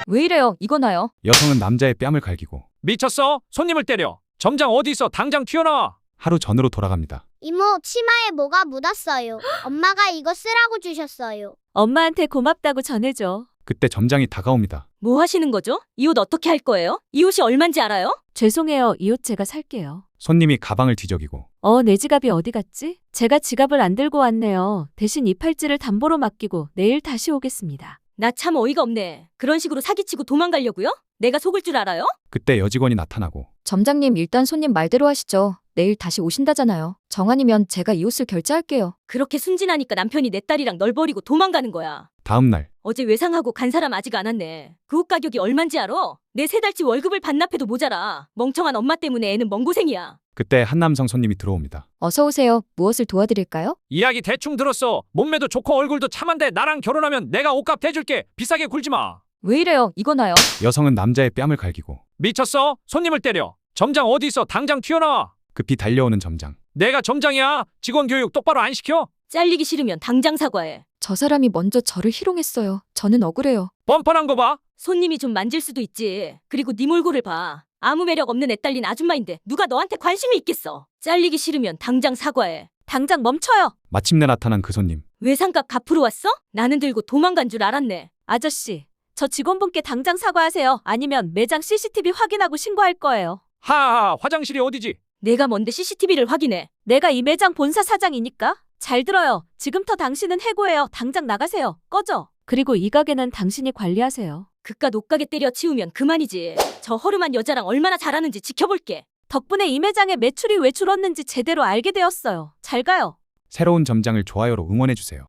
왜 이래요? 이거나요? 여성은 남자의 뺨을 갈기고 미쳤어? 손님을 때려. 점장 어디 있어? 당장 튀어나와. 하루 전으로 돌아갑니다. 이모, 치마에 뭐가 묻었어요. 엄마가 이거 쓰라고 주셨어요. 엄마한테 고맙다고 전해줘. 그때 점장이 다가옵니다. 뭐 하시는 거죠? 이 옷 어떻게 할 거예요? 이 옷이 얼만지 알아요? 죄송해요. 이 옷 제가 살게요. 손님이 가방을 뒤적이고 내 지갑이 어디 갔지? 제가 지갑을 안 들고 왔네요. 대신 이 팔찌를 담보로 맡기고 내일 다시 오겠습니다. 나 참 어이가 없네. 그런 식으로 사기치고 도망가려고요? 내가 속을 줄 알아요? 그때 여직원이 나타나고 점장님 일단 손님 말대로 하시죠. 내일 다시 오신다잖아요. 정한이면 제가 이 옷을 결제할게요. 그렇게 순진하니까 남편이 내 딸이랑 널 버리고 도망가는 거야. 다음 날 어제 외상하고 간 사람 아직 안 왔네. 그 옷 가격이 얼만지 알아? 내 3달치 월급을 반납해도 모자라. 멍청한 엄마 때문에 애는 멍 고생이야. 그때 한 남성 손님이 들어옵니다. 어서 오세요. 무엇을 도와드릴까요? 이야기 대충 들었어. 몸매도 좋고 얼굴도 참한데 나랑 결혼하면 내가 옷값 대줄게. 비싸게 굴지 마. 왜 이래요? 이거나요? 여성은 남자의 뺨을 갈기고 미쳤어? 손님을 때려. 점장 어디 있어? 당장 튀어나와. 급히 달려오는 점장. 내가 점장이야. 직원 교육 똑바로 안 시켜? 잘리기 싫으면 당장 사과해. 저 사람이 먼저 저를 희롱했어요. 저는 억울해요. 뻔뻔한 거 봐. 손님이 좀 만질 수도 있지. 그리고 네 몰골을 봐. 아무 매력 없는 애 딸린 아줌마인데 누가 너한테 관심이 있겠어. 잘리기 싫으면 당장 사과해. 당장 멈춰요. 마침내 나타난 그 손님. 외상값 갚으러 왔어? 나는 들고 도망간 줄 알았네. 아저씨, 저 직원분께 당장 사과하세요. 아니면 매장 CCTV 확인하고 신고할 거예요. 하하, 화장실이 어디지? 내가 뭔데 CCTV를 확인해. 내가 이 매장 본사 사장이니까. 잘 들어요. 지금부터 당신은 해고해요. 당장 나가세요. 꺼져. 그리고 이 가게는 당신이 관리하세요. 그깟 옷가게 때려 치우면 그만이지. 저 허름한 여자랑 얼마나 잘하는지 지켜볼게. 덕분에 이 매장의 매출이 왜 줄었는지 제대로 알게 되었어요. 잘 가요. 새로운 점장을 좋아요로 응원해주세요.